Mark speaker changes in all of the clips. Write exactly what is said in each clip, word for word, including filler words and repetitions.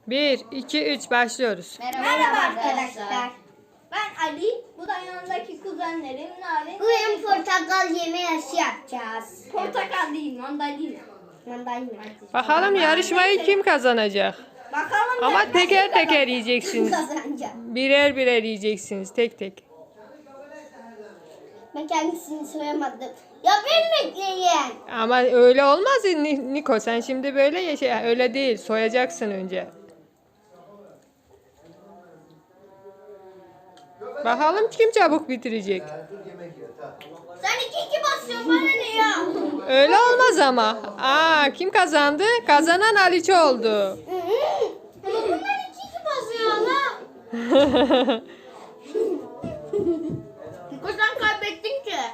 Speaker 1: bir, iki, üç başlıyoruz.
Speaker 2: Merhaba,
Speaker 3: Merhaba
Speaker 2: arkadaşlar.
Speaker 3: arkadaşlar.
Speaker 2: Ben Ali. Bu da yanındaki kuzenlerim Narin.
Speaker 3: Bugün portakal yeme yarışı yapacağız.
Speaker 2: Portakal değil, mandalina.
Speaker 3: Mandalina.
Speaker 1: Bakalım yarışmayı kim kazanacak?
Speaker 2: Bakalım
Speaker 1: Ama
Speaker 2: ben-
Speaker 1: teker
Speaker 2: ben-
Speaker 1: teker yiyeceksiniz.
Speaker 3: Kazanacağım.
Speaker 1: Birer birer yiyeceksiniz tek tek.
Speaker 3: Ben kendisini soyamadım. Ya beni bekleyin.
Speaker 1: Ama öyle olmaz Ni- Niko, sen şimdi böyle yaşa. Öyle değil, soyacaksın önce. Bakalım kim çabuk bitirecek.
Speaker 3: Sen iki iki basıyorsun bana ne ya?
Speaker 1: Öyle olmaz ama. Aa, kim kazandı? Kazanan Aliço oldu.
Speaker 3: Bunlar iki iki basıyor ama. Niko sen kaybettin ki.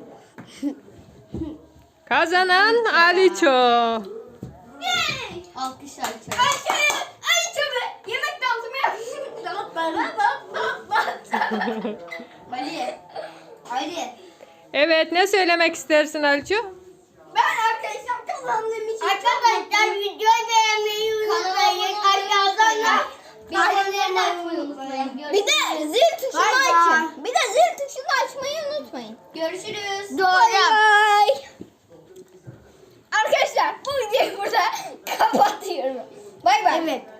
Speaker 1: Kazanan Aliço.
Speaker 3: Yay!
Speaker 2: Alkış alkış.
Speaker 3: Ayşe! Ayşe be! Yemek dağıtımı yapmışsın. Dağıt bana dağıt dağıt dağıt.
Speaker 2: Ali. Ali.
Speaker 1: Evet, ne söylemek istersin Aliço?
Speaker 2: Ben arkadaşlar kazandığım için
Speaker 3: Arkadaşlar videoyu beğenmeyi unutmayın. Aşağıdan da
Speaker 2: bildirimlerini açmayı unutmayın.
Speaker 3: Bir de zil tuşunu
Speaker 2: Bay bay.
Speaker 3: açın. Bir de zil tuşunu açmayı unutmayın.
Speaker 2: Görüşürüz.
Speaker 3: Doğru. Bye. Arkadaşlar bu videoyu burada kapatıyorum. Bay bay. Evet.